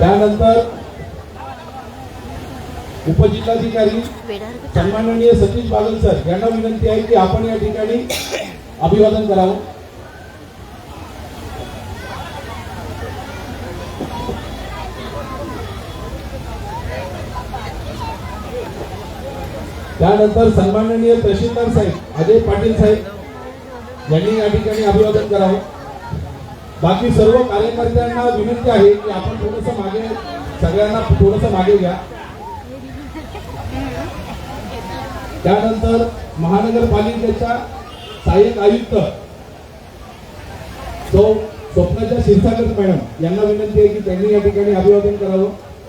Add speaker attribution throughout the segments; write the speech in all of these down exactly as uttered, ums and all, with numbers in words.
Speaker 1: त्यानंतर उपजिल्हाधिकारी सन्माननीय सतीश बागल सर यांना विनंती आहे की आपण या ठिकाणी अभिवादन करावं। त्यानंतर सन्माननीय तहसीलदार साहेब अजय पाटील साहेब यांनी या ठिकाणी अभिवादन करावं। बाकी सर्व कार्यकर्त्यांना विनंती आहे की आपण थोडंसं मागे सगळ्यांना थोडंसं मागे घ्या। त्यानंतर महानगरपालिकेच्या सहाय्यक आयुक्त सौ स्वप्नाच्या क्षीरसागर मॅडम यांना विनंती आहे की त्यांनी या ठिकाणी अभिवादन करावं।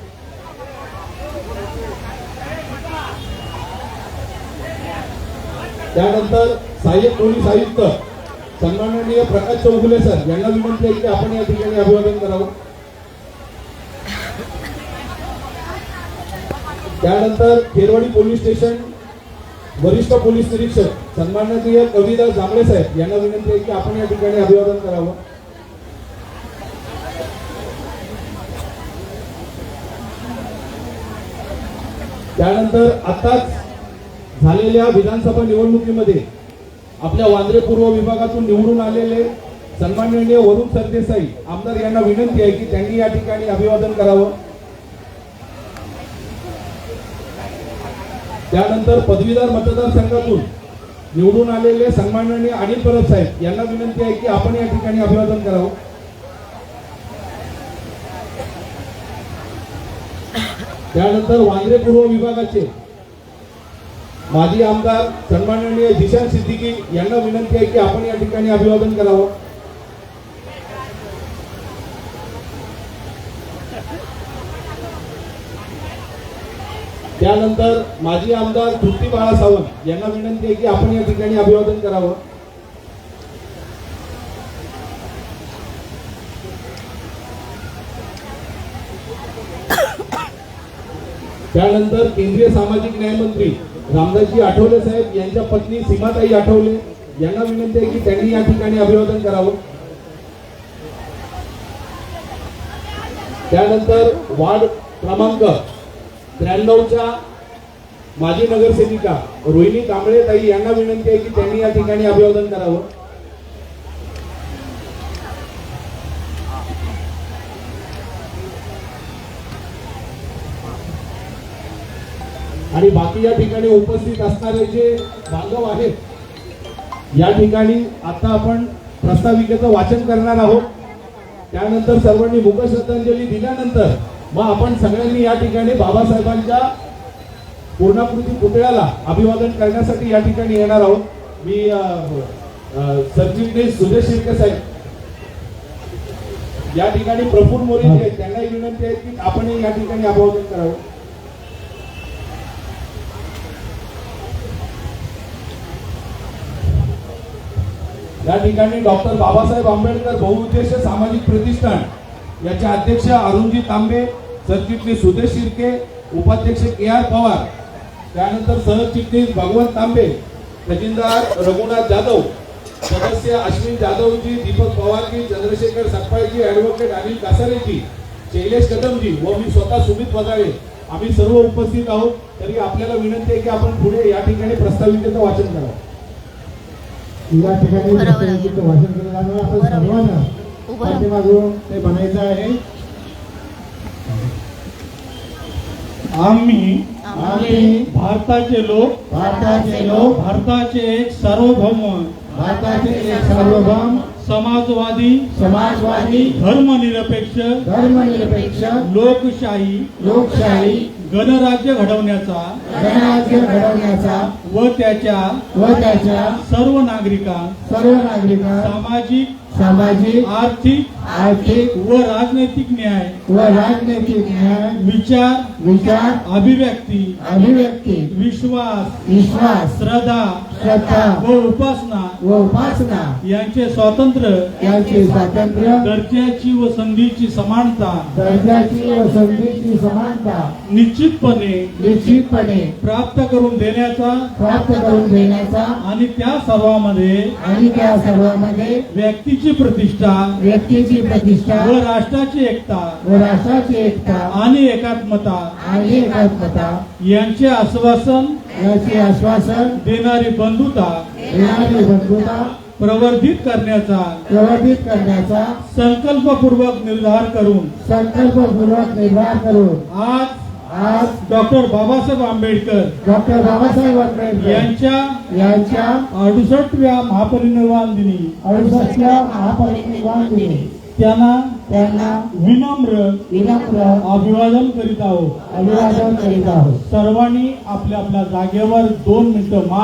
Speaker 1: त्यानंतर सहाय्यक पोलीस आयुक्त सन्माननीय प्रकाश चौगुले सर यांना विनंती आहे की आपण या ठिकाणी अभिवादन करावं। त्यानंतर खेरवाडी पोलीस स्टेशन वरिष्ठ पोलीस निरीक्षक सन्माननीय कविदास जांभळे साहेब यांना विनंती आहे की आपण या ठिकाणी अभिवादन करावं। त्यानंतर आताच झालेल्या विधानसभा निवडणुकीमध्ये आपल्या वांद्रे पूर्व विभागातून निवडून आलेले सन्माननीय वरुण सरदेसाई आमदार यांना विनंती आहे की त्यांनी या ठिकाणी अभिवादन करावं। त्यानंतर पदवीधर मतदारसंघातून निवडून आलेले सन्माननीय अनिल परब साहेब यांना विनंती आहे की आपण या ठिकाणी अभिवादन करावं। त्यानंतर वांद्रे पूर्व विभागाचे माजी आमदार सन्माननीय जिशान सिद्दीकी यांना विनंती आहे की आपण या ठिकाणी अभिवादन करावं। त्यानंतर माजी आमदार तृप्ती बाळा सावंत यांना विनंती आहे की आपण या ठिकाणी अभिवादन करावं। त्यानंतर केंद्रीय सामाजिक न्याय मंत्री रामदासजी आठवले साहेब यांच्या पत्नी सीमाताई आठवले यांना विनंती आहे की त्यांनी या ठिकाणी अभिवादन करावं। त्यानंतर वार्ड क्रमांक त्र्याण्णवच्या माजी नगरसेविका रोहिणी कांबळे ताई यांना विनंती आहे की त्यांनी या ठिकाणी अभिवादन करावं। आणि बाकी या ठिकाणी उपस्थित असणारे जे बांधव आहेत या ठिकाणी आता आपण प्रस्ताविकेचं वाचन करणार आहोत। त्यानंतर सर्वांनी मुख श्रद्धांजली दिल्यानंतर मग आपण सगळ्यांनी या ठिकाणी बाबासाहेबांच्या पूर्णाकृती पुतळ्याला अभिवादन करण्यासाठी या ठिकाणी येणार आहोत। मी सरचिटणीस सुदेश शिर्के साहेब या ठिकाणी प्रफुल्ल मोरे त्यांनाही विनंती आहे की आपण या ठिकाणी अभिवादन करावं। या ठिकाणी डॉक्टर बाबासाहेब आंबेडकर बहुउद्देशीय सामाजिक प्रतिष्ठान याचे अध्यक्ष अरुणजी तांबे, सरचिटणीस सुदेश शिर्के, उपाध्यक्ष के आर पवार, त्यानंतर सहचिटणीस भगवंत तांबे, खजिनदार रघुनाथ जाधव, सदस्य अश्विन जाधवजी, दीपक पवारजी, चंद्रशेखर सकपाळजी, ऍडव्होकेट अनिल कासारेजी, शैलेश कदमजी व मी स्वतः सुमित वजाळे आम्ही सर्व उपस्थित आहोत। तरी आपल्याला विनंती आहे की आपण पुढे या ठिकाणी प्रस्ताविकेचं वाचन करावं।
Speaker 2: या ठिकाणी प्रस्ताविकेचं वाचन केलं जाणार आपण सर्वांना पाठीमागून ते बनायचं आहे।
Speaker 3: आम्ही
Speaker 2: आम्ही
Speaker 3: भारताचे लोक
Speaker 2: भारताचे लोक
Speaker 3: भारताचे एक सार्वभौम
Speaker 2: भारताचे एक सार्वभौम
Speaker 3: समाजवादी
Speaker 2: समाजवादी
Speaker 3: धर्मनिरपेक्ष
Speaker 2: धर्मनिरपेक्ष
Speaker 3: लोकशाही
Speaker 2: लोकशाही
Speaker 3: गणराज्य घडवण्याचा
Speaker 2: गणराज्य घडवण्याचा
Speaker 3: व त्याच्या
Speaker 2: व त्याच्या
Speaker 3: सर्व नागरिकांना
Speaker 2: सर्व नागरिकांना
Speaker 3: सामाजिक
Speaker 2: सामाजिक
Speaker 3: आर्थिक
Speaker 2: आर्थिक
Speaker 3: व राजनैतिक न्याय
Speaker 2: व राजनैतिक न्याय
Speaker 3: विचार
Speaker 2: विचार
Speaker 3: अभिव्यक्ती
Speaker 2: अभिव्यक्ती
Speaker 3: विश्वास
Speaker 2: विश्वास
Speaker 3: श्रद्धा
Speaker 2: श्रद्धा
Speaker 3: व उपासना
Speaker 2: व उपासना
Speaker 3: यांचे स्वातंत्र्य,
Speaker 2: यांचे स्वातंत्र्य,
Speaker 3: दर्जाची व संधीची समानता
Speaker 2: दर्जाची व संधीची समानता
Speaker 3: निश्चितपणे
Speaker 2: निश्चितपणे
Speaker 3: प्राप्त करून देण्याचा
Speaker 2: प्राप्त करून देण्याचा
Speaker 3: आणि त्या सर्वांमध्ये
Speaker 2: आणि त्या सर्वांमध्ये
Speaker 3: व्यक्तीची प्रतिष्ठा
Speaker 2: व्यक्तीची प्रतिष्ठा
Speaker 3: व राष्ट्राची एकता
Speaker 2: व राष्ट्राची एकता
Speaker 3: आणि एकात्मता
Speaker 2: आणि एकात्मता
Speaker 3: यांचे आश्वासन
Speaker 2: याचे आश्वासन
Speaker 3: देणारी बंधुता
Speaker 2: देणारी बंधुता
Speaker 3: प्रवर्धित करण्याचा
Speaker 2: प्रवर्धित करण्याचा
Speaker 3: संकल्पपूर्वक निर्धार करून
Speaker 2: संकल्पपूर्वक निर्धार करून
Speaker 3: आज
Speaker 2: आज
Speaker 3: डॉक्टर बाबासाहेब आंबेडकर
Speaker 2: डॉक्टर बाबासाहेब आंबेडकर
Speaker 3: यांच्या
Speaker 2: यांच्या
Speaker 3: अडुसष्टव्या महापरिनिर्वाण दिनी
Speaker 2: अडुसष्टव्या महापरिनिर्वाण दिनी
Speaker 3: त्यांना
Speaker 2: त्यांना
Speaker 3: विनम्र
Speaker 2: विनम्र
Speaker 3: अभिवादन करीत आहोत.
Speaker 2: अभिवादन करीत आहोत.
Speaker 3: सर्वांनी आपल्या आपल्या जागेवर दोन मिनिटं